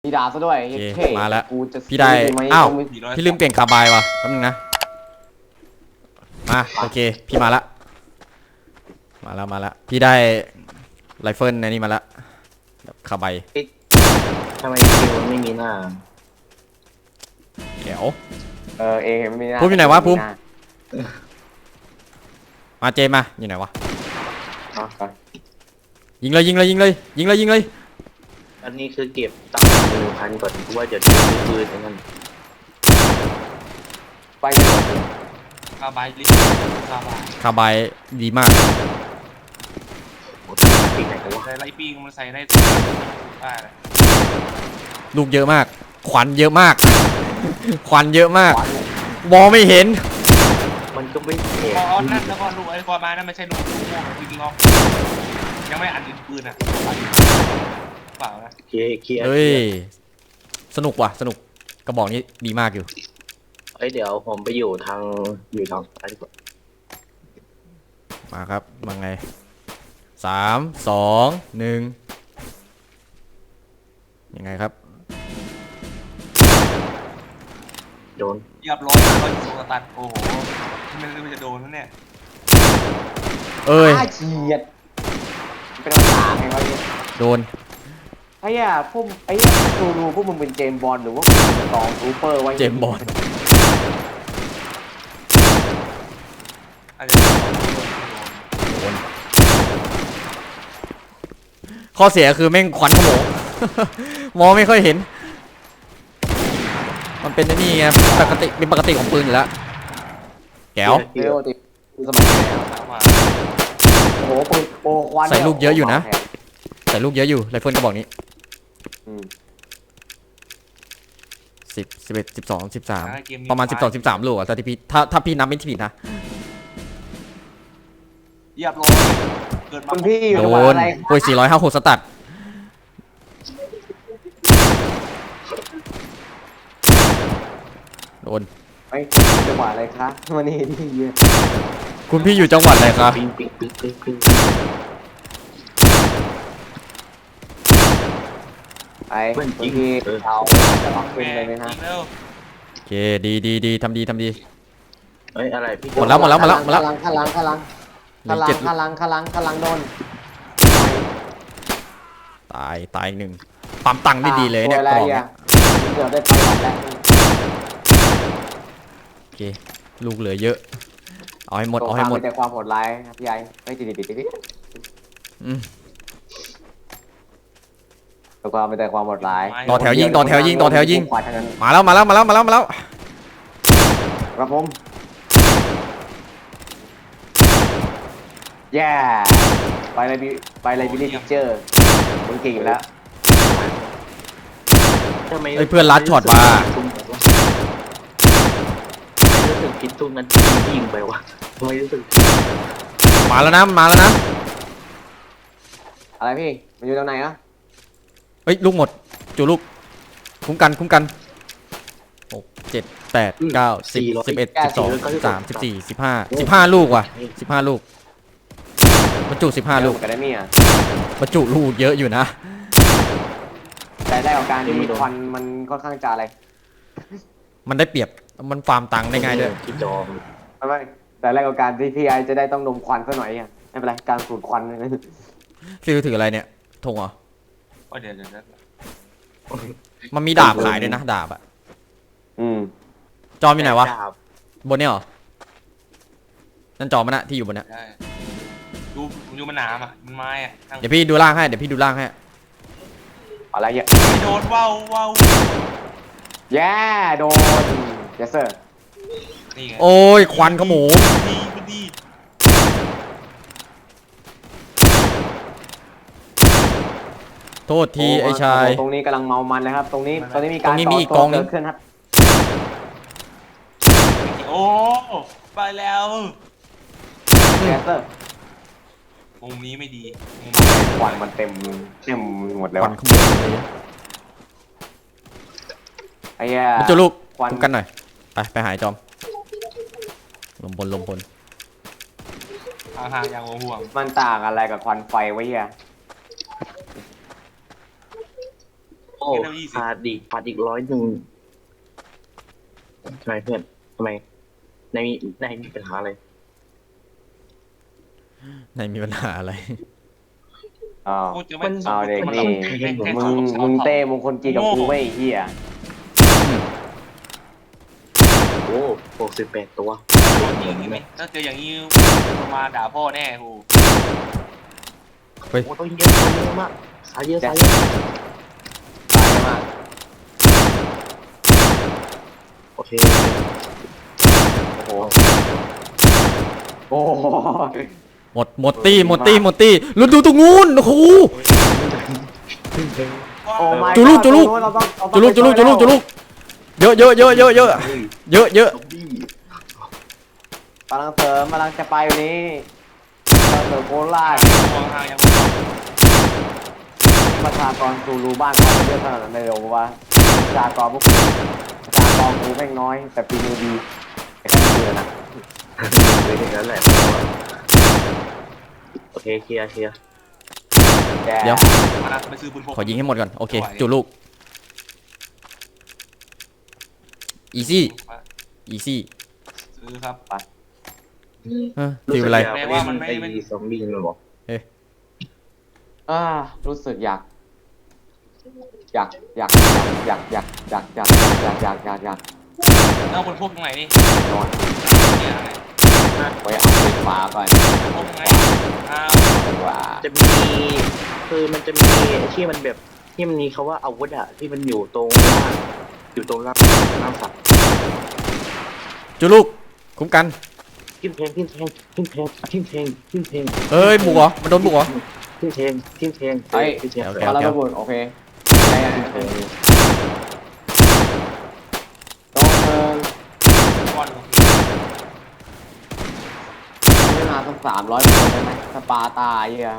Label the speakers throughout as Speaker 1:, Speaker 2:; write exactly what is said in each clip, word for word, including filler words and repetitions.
Speaker 1: มีดาบซะด้วยเท่
Speaker 2: มาแล้ว
Speaker 1: กูจะ
Speaker 2: พี่ได้อ้าวพี่ลืมเปลี่ยนคาบายว่ะแป๊บนึงนะมาโอเคพี่มาละมาแล้วมาแล้วพี่ได้ไรเฟิลในนี่มาละคาบาย
Speaker 3: ทำไมคิวมันไม่มีหน้า
Speaker 2: เดี๋ยว
Speaker 1: เออเอไม่มีหน้า
Speaker 2: ภูมิอยู่ไหนวะภูมิมาเจมาอยู่ไหนวะยิงเลยยิงเลยยิงเลยยิงเลยยิงเลย
Speaker 3: อันนี้คือเก็บตังค์หนึ่งพันก่อนเพราะว่าจะซื้อปืนนั่น
Speaker 1: ไปเลย
Speaker 4: คาบายลิคาบาย
Speaker 2: คาบายดีมาก
Speaker 3: ปีไหนกันวะ
Speaker 4: ใส่ไรปีงมันใส่ได้ได้เลย
Speaker 2: ลูกเยอะมากควันเยอะมากควันเยอะมากมองไม่เห็น
Speaker 3: มันก็ไม่เห็น
Speaker 4: พอนั่นแล้วก็ลูกไอ้กอมานั่นไม่ใช่ลูกลูกม่วงจริงๆหรอกยังไม่อัดดินปืนอ่ะเปล่านะ
Speaker 3: เคลียร์เคลียร์
Speaker 2: เฮ้ยสนุกว่ะสนุกกระบอกนี้ดีมากอยู่
Speaker 3: เอ้ยเดี๋ยวผมไปอยู่ทางอยู่ทางซ้ายดีกว่า
Speaker 2: มาครับมาไงสามสองหนึ่งยังไงครับ
Speaker 3: โดน
Speaker 4: เรียบร้อยร้อยสูงตัดโอ้โหไม่รู้จะโดนนั่นเนี่ย
Speaker 2: เอ้ย
Speaker 1: เฉียดเป็นภาษาไงวะเนี่ย
Speaker 2: โดน
Speaker 1: ไอ้ย่าพวกไอ้ย่าดูดูพวกมึงเป็นเจมบอลหรือว่าเป็นตองซูเปอร์ไว้
Speaker 2: เจมบอล
Speaker 4: อาจจะ
Speaker 2: โดนข้อเสียคือแม่งควันขโมงมองไม่ค่อยเห็นมันเป็นนี่ไงปกติเป็นปกติของปืนอยู่แล้วแก้ว
Speaker 1: เร็วติดสมัยแล้วโอ้โหปืนโอ้ควัน
Speaker 2: ใส่ลูกเยอะอยู่นะใส่ลูกเยอะอยู่ไรเฟิลกระบอกนี้สิบสิบเอ็ดสิบสองสิบสามประมาณสิบสองสิบสามลูกอ่ะถ้าที่พี่ถ้าถ้าพี่นับไม่ผิดนะ
Speaker 4: เรียบร้อยเกิดมา
Speaker 1: คุณพี่อยู่
Speaker 2: โด
Speaker 1: จังหวัด
Speaker 2: น
Speaker 1: อะไร
Speaker 2: โอ้ยสี่ร้อยห้าหกสตัดโดน
Speaker 1: ไอ้จังหวัดอะไรคะวันนี้ที่เยอะ
Speaker 2: คุณพี่อยู่จังหวัดอะไรครับ
Speaker 3: ปิงปิงปิงปิงปิง
Speaker 1: ไอ้คุณพี่เอาจะต้องขึ้นเลยไหมฮะ
Speaker 2: โอเคดีดีดีทำดีทำดี
Speaker 3: เอ้ยอะไรพี่
Speaker 2: หมดแล้วหมดแล้วหมดแล้วหมดแล้ว
Speaker 1: ข้างลังข้างลังข้างลังข้างลังข้างลังข้างลังโดน
Speaker 2: ตายตายหนึ่งปั๊มตังค์ได้ดีเลยเนี่ยกล่องเนี่ย
Speaker 1: เดี๋ยวได้ไปแล้ว
Speaker 2: โอเคลูกเหลือเยอะเอาให้หมดเอาให้หมด
Speaker 1: แต่ความโหดร้ายพี่ใหญ่ไม่ติดติดติดติด
Speaker 2: อืม
Speaker 1: ตัวความเป็นแต่ความโหดร้าย
Speaker 2: ต่อแถวยิงต่อแถวยิงต่อแถวยิงมาแล้วมาแล้วมาแล้วมาแล้วมาแล้ว
Speaker 1: ครับผมแย่ไปเลยไปเลยบิลลี่ทิเจอร์มึงเก่งอยู่แล้ว
Speaker 2: ไอ้เพื่อนลัดช็อตมา
Speaker 3: รู้สึกผิดทุกนั้นยิงไปวะทำไมรู้สึก
Speaker 2: มาแล้วนะมาแล้วนะ
Speaker 1: อะไรพี่มันอยู่ตรงไหนอะ
Speaker 2: เฮ้ยลูกหมดจูลูกคุ้มกันคุ้มกันหกเจ็ดแปดเก้าสิบสิบเอ็ดสิบสองสิบสามสิบสี่สิบห้าสิบห้าลูกว่ะสิบห้าลูกบรรจุสิบห้าลูก
Speaker 1: กันได้มั้ยอ่ะ
Speaker 2: บรรจุลูกเยอะอยู่นะ
Speaker 1: แต่ได้ของการที่ควันมันค่อนข้างจะอะไร
Speaker 2: มันได้เปรียบมันฟาร์มตังค์ได้ง่ายด้วย
Speaker 3: คิดจอม
Speaker 1: ไม่ไม่แต่แรกของการที่พี่ไอจะได้ต้องดมควันซะหน่อยอ่ะไม่เป็นไรการสูดควันเลย
Speaker 2: ฟิลถืออะไรเนี่ยธงเหรอ
Speaker 4: เดี๋ยวเดี๋ยว
Speaker 2: มันมีดาบขายด้วยนะดาบอ่ะ
Speaker 1: อืม
Speaker 2: จอมอยู่ไหนวะบนเนี่ยเหรอนั่นจอมันนะที่อยู่บนเนี้ย
Speaker 4: ดูดูมันหนามอ่ะมันไม้อ่ะ
Speaker 2: เดี๋ยวพี่ดูล่างให้เดี๋ยวพี่ดูล่างให้
Speaker 1: อะไรเงี้ย
Speaker 4: ไม่โดนว้าวว้าว
Speaker 1: แย่โดนเจสเซอร์
Speaker 2: โอ้ยควันขโมง
Speaker 4: ดีดี
Speaker 2: โทษทีไอ้ชาย
Speaker 1: ตรงนี้กำลังเมามันเลยครับตรงนี้ตรงนี้มีการ
Speaker 2: ต่อตัวเกิด
Speaker 1: ขึ้นครับ
Speaker 4: โอ้ไปแล้ว
Speaker 1: เจสเซอร์
Speaker 4: มุมนี้ไม่ดี
Speaker 1: ควันมันเต็มเต็มหมดแล้ว
Speaker 2: ควันขโมงเลย
Speaker 1: ไอ้แย่
Speaker 2: มันจะลูกคุ้มกันหน่อยไปไปหายจอมลมพลลมพล
Speaker 4: ห่างๆอย่างห่วง
Speaker 1: มันต่างอะไรกับควันไฟไว้เฮีย
Speaker 3: โอ้
Speaker 4: เล่มยี่สิบ
Speaker 3: ขาดอีกขาดอีกร้อยหนึ่งทำไมเพื่อนทำไมในมีในมีปัญหาอะไร
Speaker 2: ในมีปัญหาอะไร
Speaker 1: อ้าว
Speaker 4: กูจะไม่
Speaker 1: เอาเด็ก
Speaker 4: มัน
Speaker 1: นี่
Speaker 4: แค่แค่
Speaker 1: มึ
Speaker 4: ส
Speaker 1: ง
Speaker 4: ส
Speaker 1: มึงเต้มงคลจีกับกูไม่ไอ้เหี้ย
Speaker 3: โอ้หกสิบแปดตัว
Speaker 4: อย่างนี้ไหมถ้าเจออย่างนี้มาด่าพ่อแน่กู
Speaker 2: เฮ้ย
Speaker 3: โอ้ต้องเยอะต้องเยอะมากสายเยอะสายเยอะ
Speaker 1: ตายมาก
Speaker 3: โอเค
Speaker 1: โอ้โหโอ้โห
Speaker 2: หมดหมดตีหมดตีหมดตีแล้วดูตรงนู้นโอ้โห
Speaker 1: โอ้ my
Speaker 2: จุลุก
Speaker 1: god
Speaker 2: จุลุก
Speaker 1: เราต้องเราต้
Speaker 2: จุ
Speaker 1: อง
Speaker 2: ลุกจุลุกจุลุกจุลุกเยอะเยอะเยอะเยอะเยอะเยอะเยอะ
Speaker 3: ซอมบี้
Speaker 1: กำลังเสริมกำลังจะไปอยู่นี้กำลังเสริมโคราช
Speaker 4: มองทางยังไม่ต้อง
Speaker 1: ประชากรซูรูบ้านเขาเยอะขนาดนั้นเลยเหรอวะประชากรพวกกูประชากรกูแม่งน้อยแต่ปีนูดีแต่ก็ดีนะ
Speaker 3: เลยอย่างนั้นแหละโอเคเคลียร์เคลียร์
Speaker 1: แก
Speaker 2: เดี๋ยว
Speaker 4: มาไปซื้อปืนพก
Speaker 2: ขอยิงให้หมดก่อนโอเคจุลูกอีซี่อีซี่
Speaker 4: ซื้อครับ
Speaker 2: เออฟิลอะไร
Speaker 3: แปลว่ามันไม่ไอ้ซอมบี้มันบอก
Speaker 1: อ่ารู้สึกอยาก อยากอยากอยากอยากอยากอยากอยากอยากอยากอยาก
Speaker 4: เอาปืนพกตรงไหนนี่
Speaker 1: นอน
Speaker 4: เนี่ยอะไร
Speaker 1: ไว้เอาไฟฟ้าก่อน
Speaker 4: พกตรงไหนอ้าว
Speaker 1: ดีกว่า
Speaker 3: จะมีคือมันจะมีที่มันแบบที่มันมีคาว่าอาวุธอะที่มันอยู่ตรงล่างอยู่ตรงล่างล่างสัตว์
Speaker 2: จุลูกคุ้มกัน
Speaker 3: ทิมแทงทิมแทงทิมแทงทิมแทงทิมแทง
Speaker 2: เอ้ยบุกเหรอมันโดนบุกเหรอ
Speaker 3: ทิมแทงทิมแทง
Speaker 1: เฮ้ย
Speaker 3: ทิมแทง
Speaker 2: โอเค
Speaker 1: มาแล้วระเบิดโอเคไงอ่ะ
Speaker 3: ทิมแทง
Speaker 1: ต้องเดิน
Speaker 4: ก้อน
Speaker 1: ไม่มาต้องสามร้อยคนได้ไหมสปาตาเหี้ย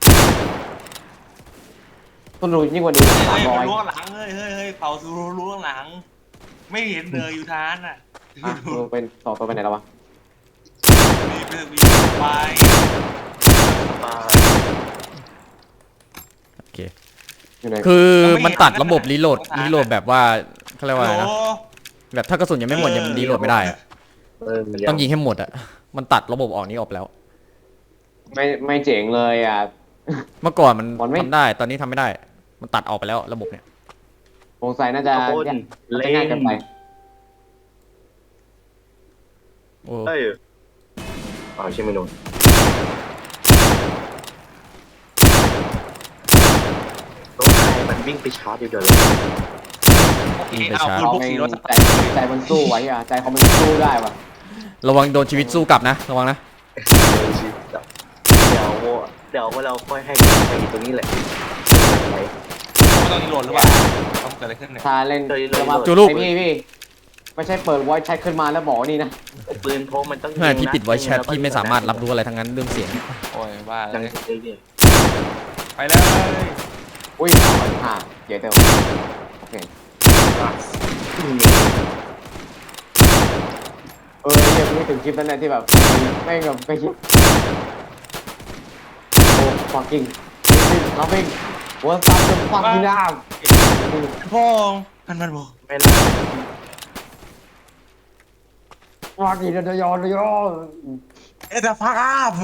Speaker 1: ต้นรูยิ่งกว่านี้สา
Speaker 4: เฮ้
Speaker 1: ม
Speaker 4: ย
Speaker 1: ร้อ
Speaker 4: มัน
Speaker 1: ย
Speaker 4: ล้วงหลังเฮ้ยเฮ้ยเฮ้ยเผาซูรุล้วงหลัง ไม่เห็นเลยอยู่ทานอ่ะ
Speaker 1: อ่ะมึงเป็นสองตัวไปไหนแล้ววะ
Speaker 4: มีไปมีไป
Speaker 3: ปลา
Speaker 2: โอเค
Speaker 1: อยู่ไหน
Speaker 2: คือมันตัดระบบรีโหลดรีโหลดแบบว่าเขาเรียกว่าอะไรนะ
Speaker 4: โอ้
Speaker 2: แบบถ้ากระสุนยังไม่หมดยังรีโหลดไม่ได้อะ
Speaker 3: เออมัน
Speaker 2: ต้องยิงให้หมดอะมันตัดระบบออกนี้ออกแล้ว
Speaker 1: ไม่ไม่เจ๋งเลยอ่ะ
Speaker 2: เมื่อก่อนมัน
Speaker 1: มันไม่
Speaker 2: ทำได้ตอนนี้ทำไม่ได้ มันตัดออกไปแล้วระบบเนี่ย
Speaker 1: สงสัยน่าจะ
Speaker 3: คน
Speaker 1: น่า
Speaker 3: เล่
Speaker 1: จะง่ายเกินไป
Speaker 2: โอ้
Speaker 3: เอ้ยอ๋อใช่ไหมนุ่นรถไฟมันวิ่งไปชาร์จอยู่เดี๋ยวเลย
Speaker 4: โอเคเอาปืน
Speaker 1: เขา
Speaker 4: พก
Speaker 1: ไม่
Speaker 4: สีรถ
Speaker 1: ใจใจมันสู้ไว้อ่ะใจเขามันสู้ได้ว่ะ
Speaker 2: ระวังโดนชีวิตสู้กลับนะระวังนะ
Speaker 3: เดี๋ยวเดี๋ยวเราค่อยให้ใครอยู่ตรงนี้แหละไป
Speaker 4: ไม่ต้องรีโหลดหรือเปล่าต้องเกิดอะไรขึ้นเนี่ย
Speaker 1: ถ้าเล่น
Speaker 3: เลยเลย
Speaker 1: จะมา
Speaker 2: จูลูก
Speaker 1: ไอ้พี่พี่ไม่ใช่เปิดไวแชทขึ้นมาแล้วบอกว่านี่นะ
Speaker 3: ปืนพกมันต้อง
Speaker 2: ไม่พี่ปิดไว้แชทพี่ไม่สามารถรับรู้อะไรทั้งนั้นเรื่องเสียง
Speaker 4: โอ้ยบ้าเล
Speaker 3: ดัง
Speaker 4: ย
Speaker 3: เลยเนี่ย
Speaker 4: ไปเลย
Speaker 1: อุ้ยสามพันห้าเดี๋ยวเดี๋ยวโอเคเออเนี่ยไม่ถึงคลิปนั้นแหละที่แบบไม่งแบบไม่คิดโอ้ fucking nothing what's up the fucking now
Speaker 4: พ่อมันมันบอก
Speaker 3: ไม่น่า
Speaker 1: fucking เดยอนเดยอน
Speaker 4: เอ็ดฟักอัพ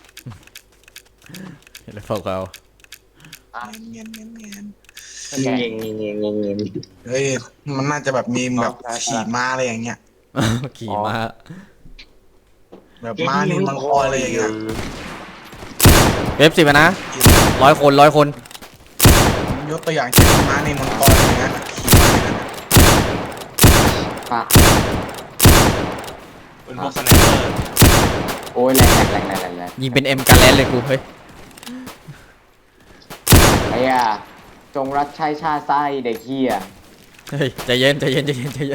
Speaker 2: เห็นแล้วพวกเรา
Speaker 4: เงี้ยเงี้ยเงี้ย
Speaker 3: เงี้ยเงี้ยเงี้ยเงี้ยเงี้ย
Speaker 5: เฮ้ย มันน่าจะแบบมีมแบบขี่ม้าอะไรอย่างเงี้ย
Speaker 2: ขี่มา
Speaker 5: แบบม้านินมังกรอะไรอย่างเงี้ย
Speaker 2: เอฟสิบนะร้อยคนร้อยคน
Speaker 5: ยกตัวอย่างเช่นม้านินมังกรอะไรอย่างเงี้ยขี่ม้าอย่างเงี้ย
Speaker 1: อ่ะ
Speaker 4: เป็นพวกสไนเปอร์
Speaker 1: โอ้ยแรงแรงแรงแรงแรง
Speaker 2: ยิงเป็นเอ็มการแลนเลยกูเฮ้ย
Speaker 1: ไอ้ย่าจงรักใช้ชาติไส้เด็กเฮีย
Speaker 2: เฮ้ยใจเย็นใจเย็นใจเย็นใจเย็น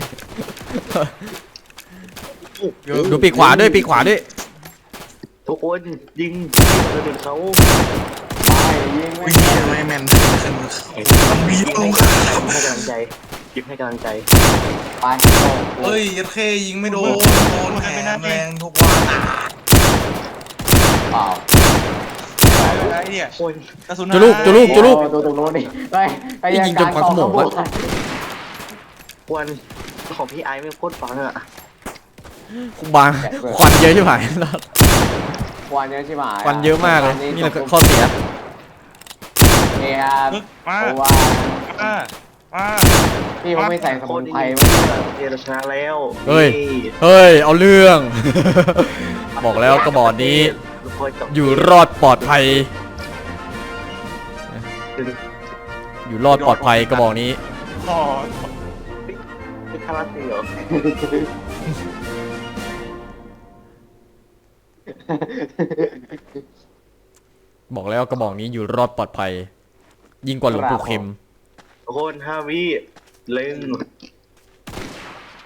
Speaker 2: ดูปีกขวาด้วยปีกขวาด้วย
Speaker 3: ทุกคนยิงกระสุนเขา
Speaker 1: ไปยิงไม่
Speaker 5: วิ่งทำไมแมนขึ้นขึ้นมันบีบลง
Speaker 3: ให้กำลังใจยิบให้กำลังใจ
Speaker 1: ไปโอ้โห
Speaker 5: เฮ้ยยัดเคยิงไม่โดนโดนแหมแรงทุกวันอ่ะ
Speaker 1: เปล่า
Speaker 4: ไปไอ้เนี่ย
Speaker 3: โอ้ย
Speaker 4: กระสุน
Speaker 2: จุลูกจุลูกจุลูก
Speaker 1: โอ้ตัวตรงโน้นนี่เฮ้ยไอ้
Speaker 2: ยิงจนควันขโมงวะ
Speaker 3: ควันของพี่ไอซ์ไม่โคตรฟังอ่ะ
Speaker 2: บางควันเยอะใช่ไหม
Speaker 1: ควันเยอะใช่ไหม
Speaker 2: ควันเยอะมากเลยนี่แหละข้อเสีย
Speaker 1: นี่ครับ
Speaker 4: ปึ๊กมา
Speaker 1: เพราะว่า
Speaker 4: มามา
Speaker 1: พี่เขาไม่ใส่ส
Speaker 3: โค
Speaker 1: มุ
Speaker 3: ตร
Speaker 1: น
Speaker 3: ดี
Speaker 1: ไพร
Speaker 3: เดี๋ยวเราชนะแล้ว
Speaker 2: เฮ้ย
Speaker 3: นี่
Speaker 2: เฮ้ยเอาเรื่อง บอกแล้วกระบอกนี้
Speaker 3: ลูกพ่จบ
Speaker 2: อยู่รอดปลอดภัย อยู่รอดปลอดภัยกระบอกนี้
Speaker 4: อ๋อ
Speaker 3: เป็นคาราเต้เหรอ
Speaker 2: บอกแล้วกระบอกนี้อยู่รอดปลอดภัย ยิ่งกว่าหลวงปู่เข็ม
Speaker 3: ทุกคนห้าวิเล่ง